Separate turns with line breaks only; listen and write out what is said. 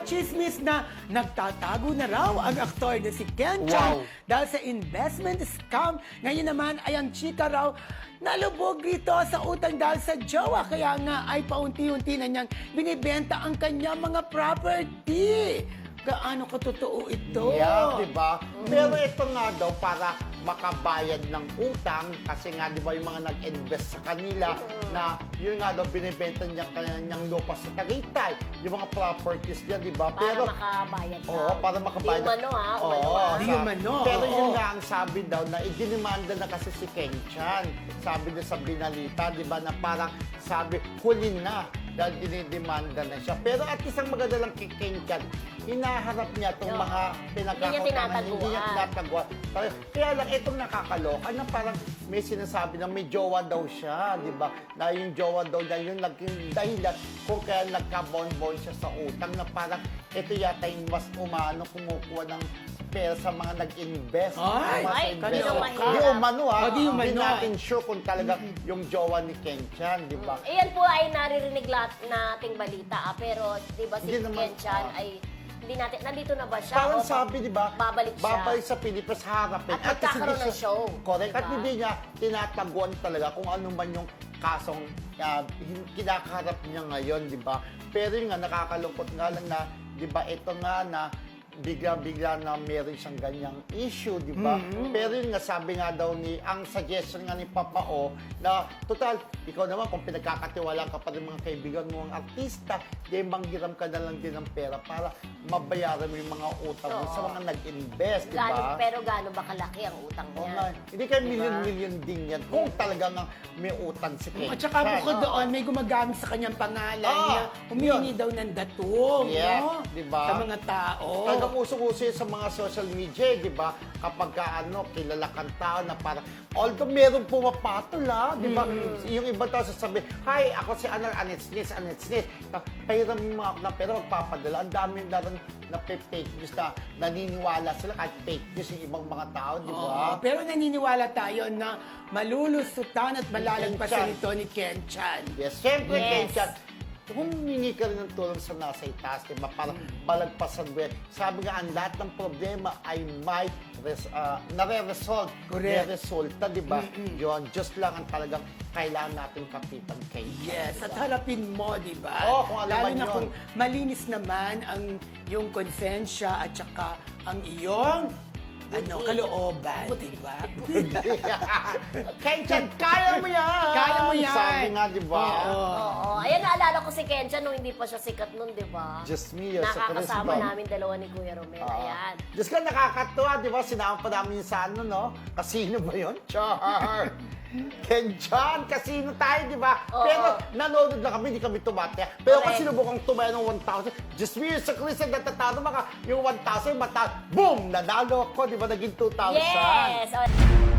chismis na nagtatago na raw ang aktor na si Ken Chan dahil sa investment scam. Ngayon naman ay ang chika raw nalubog rito sa utang dahil sa jowa. Kaya nga ay paunti-unti na niyang binibenta ang kanyang mga property. Gaano katotoo ito?
Yeah, di ba? Pero ito nga daw para makabayad ng utang kasi nga di ba yung mga nag-invest sa kanila na yun nga daw binibenta niya kanyang lupa sa Tagaytay, yung mga properties niya, di ba?
Para makabayad daw.
Oo, para makabayad.
Di umano ha?
Di umano.
Pero yun nga ang sabi daw na idinimanda na kasi si Ken Chan. Sabi niya sa binalita, di ba, na parang sabi, huli na dahil dinidemanda na siya. Pero at isang maganda lang kay Ken Chan, hinaharap niya itong mga pinagkakatangan. Hindi niya tinataguan. Kaya lang, itong nakakaloka na parang may sinasabi na may jowa daw siya, di ba? Na yung jowa daw niya, yung naging dahilan kung kaya nagka-bon-bon siya sa utang na parang ito yata yung mas umano kumukuha ng pera sa mga nag-invest.
Ay,
kaloka.
Di umano ha.
Di umano.
Hindi natin sure kung talaga yung jowa ni Ken Chan, di ba?
Iyan po ay naririnig nating balita. Pero di ba si
Hindi naman,
Ken Chan ay hindi natin, nandito na ba siya?
Parang
O
sabi, di ba?
Babalik siya.
Babalik sa Pilipinas, harapin.
At magkakaroon
hindi
ng show.
Correct.
Diba?
At hindi niya tinataguan talaga kung ano man yung kasong kinakaharap niya ngayon, di ba? Pero yung nga, nakakalungkot nga lang na, di ba, ito nga na bigla-bigla na meron siyang ganyang issue, di ba? Pero yun nga, sabi nga daw ang suggestion nga ni Papa O, na total, ikaw naman, kung pinagkakatiwala ka pa rin mga kaibigan mo, ang artista, di manghiram ka na lang din ng pera para mabayaran mo yung mga utang mo sa mga nag-invest, di ba?
Pero gaano ba kalaki ang utang
Oo
niya?
nga. Hindi kayo milyon-milyon din yan kung talagang may utang si Ken
At saka
Chan.
bukod doon, may gumagamit sa kanyang pangalan niya. Humingi daw ng datong,
Yeah,
no?
diba?
Sa mga tao.
Talagang usong-uso yun sa mga social media, di ba? Kapag kilala kang tao na parang, although meron pumapatol, ha? Di ba? Yung iba tao sasabi, hi, ako si Anetsnis. Pahiram mo ako na pera, magpapadala. Ang dami na rin na fake news na naniniwala sila kahit fake news yung ibang mga tao, di ba?
Oo, pero naniniwala tayo na malulusutan at malalagpasan
Chan.
ito ni Ken Chan.
Yes, siyempre,
Yes.
Ken Chan, humingi ka rin ng tulong sa nasa itaas, di ba? Para balagpasan mo yan. Sabi nga, ang lahat ng problema ay may nare-resolve.
Correct.
Resulta, di ba? Yun, just lang ang talagang kailangan natin kapitan kay
Yes, at harapin mo, di ba?
Oo, kung alam
Lalo
man
na
yun.
kung malinis naman ang yung konsensya at saka ang iyong kalooban, di ba?
Ken Chan, kaya mo yan!
Kaya mo yan!
Sabi nga, di ba?
Oo. Ayan, naalala ko si Ken Chan nung hindi pa siya sikat nun, di ba?
Just me, sa
Nakakasama
Christmas.
namin dalawa ni Kuya Romel. Ayan.
Diyos ka, nakakatuwa, di ba? Sinama pa namin yung sa ano, no? Casino ba yun? Char! Ken Chan, casino tayo, di ba?
Oo.
Pero nanonood lang kami, hindi kami tumataya. Pero kung
Correct.
sinubukang tumaya ng 1,000, just me, sa Christmas, natatalo maka, yung 1,000, boom! Nanalo ako, di ba? Naging 2,000.
Yes!